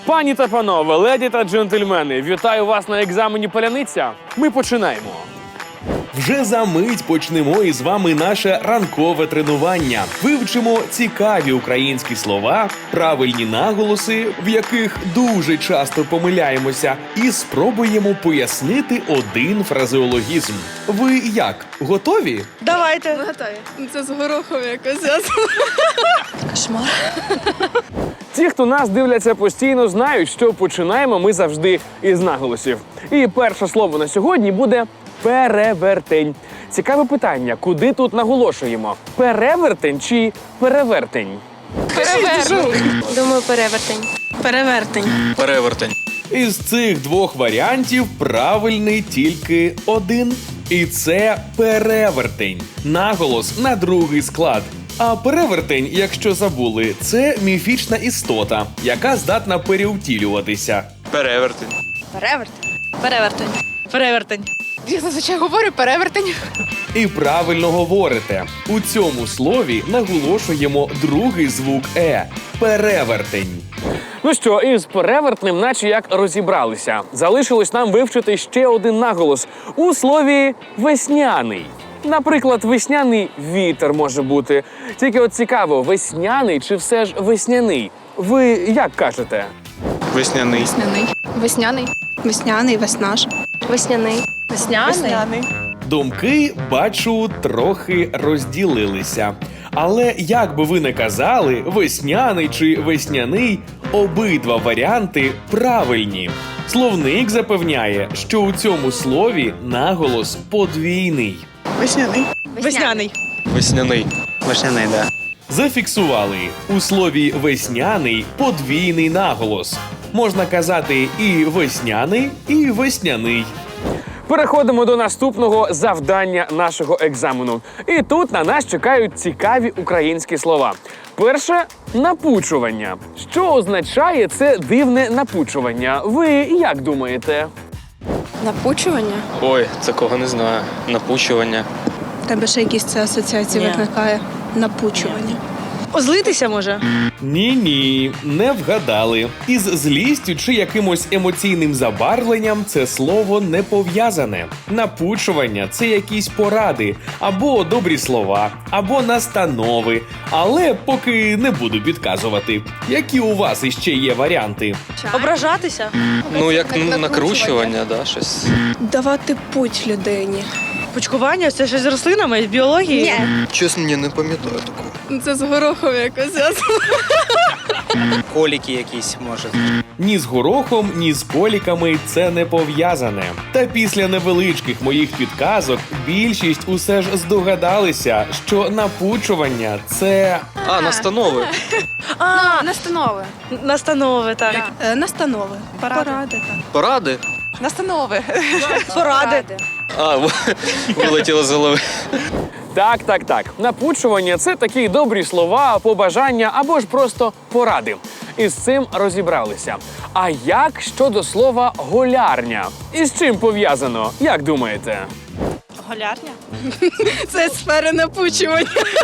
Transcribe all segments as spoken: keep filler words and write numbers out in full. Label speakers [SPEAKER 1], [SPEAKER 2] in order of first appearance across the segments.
[SPEAKER 1] Пані та панове, леді та джентльмени, вітаю вас на екзамені «Паляниця». Ми починаємо.
[SPEAKER 2] Вже за мить почнемо із вами наше ранкове тренування. Вивчимо цікаві українські слова, правильні наголоси, в яких дуже часто помиляємося, і спробуємо пояснити один фразеологізм. Ви як? Готові?
[SPEAKER 3] Давайте.
[SPEAKER 4] Ми готові. Це з горохом якось зв'язано.
[SPEAKER 3] Кошмар.
[SPEAKER 1] Ті, хто нас дивляться постійно, знають, що починаємо ми завжди із наголосів. І перше слово на сьогодні буде перевертень. Цікаве питання, куди тут наголошуємо? Перевертень чи перевертень?
[SPEAKER 4] Перевертень.
[SPEAKER 3] Думаю, перевертень.
[SPEAKER 4] Перевертень.
[SPEAKER 5] Перевертень.
[SPEAKER 2] Із цих двох варіантів правильний тільки один. І це перевертень. Наголос на другий склад. А перевертень, якщо забули, це міфічна істота, яка здатна перевтілюватися.
[SPEAKER 5] Перевертень.
[SPEAKER 4] Перевертень.
[SPEAKER 3] Перевертень. Перевертень.
[SPEAKER 4] Я зазвичай говорю перевертень.
[SPEAKER 2] І правильно говорите. У цьому слові наголошуємо другий звук «е» – перевертень.
[SPEAKER 1] Ну що, із перевертним наче як розібралися. Залишилось нам вивчити ще один наголос у слові «весняний». Наприклад, весняний вітер може бути. Тільки от цікаво, весняний чи все ж весняний? Ви як кажете?
[SPEAKER 5] Весняний.
[SPEAKER 4] Весняний. Весняний. Весняний, веснаш.
[SPEAKER 3] Весняний.
[SPEAKER 4] Весняний.
[SPEAKER 2] Думки, бачу, трохи розділилися. Але як би ви не казали, весняний чи весняний, обидва варіанти правильні. Словник запевняє, що у цьому слові наголос подвійний.
[SPEAKER 4] Весняний.
[SPEAKER 3] Весняний.
[SPEAKER 5] Весняний. Весняний, да.
[SPEAKER 2] Зафіксували. У слові «весняний» подвійний наголос. Можна казати і «весняний», і «весняний».
[SPEAKER 1] Переходимо до наступного завдання нашого екзамену. І тут на нас чекають цікаві українські слова. Перше – напучування. Що означає це дивне напучування? Ви як думаєте?
[SPEAKER 4] Напучування.
[SPEAKER 5] Ой, такого не знаю. Напучування.
[SPEAKER 4] У тебе ще якісь це асоціації
[SPEAKER 3] Ні.
[SPEAKER 4] викликає. Напучування.
[SPEAKER 3] Озлитися може?
[SPEAKER 2] Ні-ні, не вгадали. Із злістю чи якимось емоційним забарвленням це слово не пов'язане. Напучування – це якісь поради, або добрі слова, або настанови. Але поки не буду підказувати. Які у вас іще є варіанти?
[SPEAKER 3] Ображатися?
[SPEAKER 5] Ну, як
[SPEAKER 4] Накручування.
[SPEAKER 5] накручування, да, щось.
[SPEAKER 4] Давати путь людині.
[SPEAKER 3] Пучкування? Це щось з рослинами, з біології?
[SPEAKER 5] Чесно, ні, не пам'ятаю такого.
[SPEAKER 4] Це з горохом якось зв'язано.
[SPEAKER 6] Коліки якісь, може.
[SPEAKER 2] Ні з горохом, ні з коліками це не пов'язане. Та після невеличких моїх підказок більшість усе ж здогадалися, що напучування – це...
[SPEAKER 5] А, настанови.
[SPEAKER 3] А,
[SPEAKER 4] Настанови.
[SPEAKER 3] настанови, так.
[SPEAKER 4] Е, Настанови. Поради. Поради, так.
[SPEAKER 5] Поради.
[SPEAKER 3] Настанови. Поради.
[SPEAKER 5] А, вилетіло з голови.
[SPEAKER 1] Так, так, так. Напучування – це такі добрі слова, побажання або ж просто поради. І з цим розібралися. А як щодо слова «голярня»? І з чим пов'язано? Як думаєте?
[SPEAKER 3] Голярня?
[SPEAKER 4] Це сфера напучування.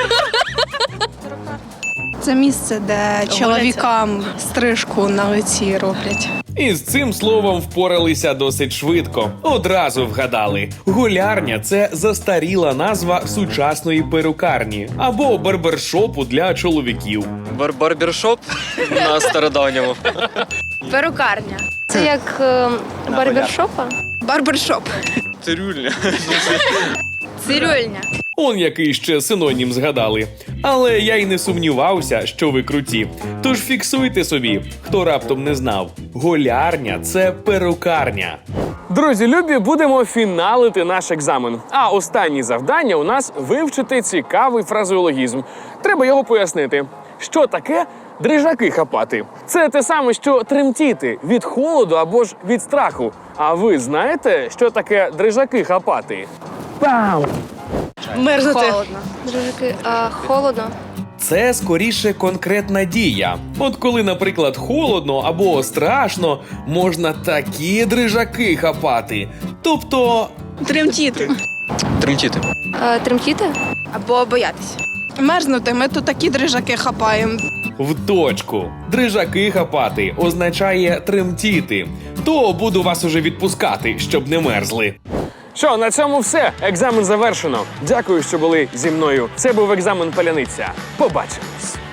[SPEAKER 4] Це місце, де чоловікам стрижку на лиці роблять.
[SPEAKER 2] І з цим словом впоралися досить швидко. Одразу вгадали. Голярня – це застаріла назва сучасної перукарні або барбершопу для чоловіків.
[SPEAKER 5] Бар барбершоп на стародавньому.
[SPEAKER 7] Перукарня. Це як е, барбершопа?
[SPEAKER 4] Барбершоп.
[SPEAKER 5] Цирюльня.
[SPEAKER 7] Цирюльня.
[SPEAKER 2] Он який ще синонім згадали. Але я й не сумнівався, що ви круті. Тож фіксуйте собі, хто раптом не знав. Голярня – це перукарня.
[SPEAKER 1] Друзі, любі, будемо фіналити наш екзамен. А останнє завдання у нас – вивчити цікавий фразеологізм. Треба його пояснити. Що таке дрижаки хапати? Це те саме, що тремтіти від холоду або ж від страху. А ви знаєте, що таке дрижаки хапати? Пам!
[SPEAKER 3] Мерзнути.
[SPEAKER 7] Холодно. Дружики, а холодно.
[SPEAKER 2] Це скоріше конкретна дія. От коли, наприклад, холодно або страшно, можна такі дрижаки хапати. Тобто...
[SPEAKER 4] Тремтіти.
[SPEAKER 5] Тремтіти.
[SPEAKER 7] А, тремтіти?
[SPEAKER 4] Або боятися. Мерзнути, ми тут такі дрижаки хапаємо.
[SPEAKER 2] В точку. Дрижаки хапати означає тремтіти. То буду вас уже відпускати, щоб не мерзли.
[SPEAKER 1] Що, на цьому все. Екзамен завершено. Дякую, що були зі мною. Це був екзамен Паляниця. Побачимось.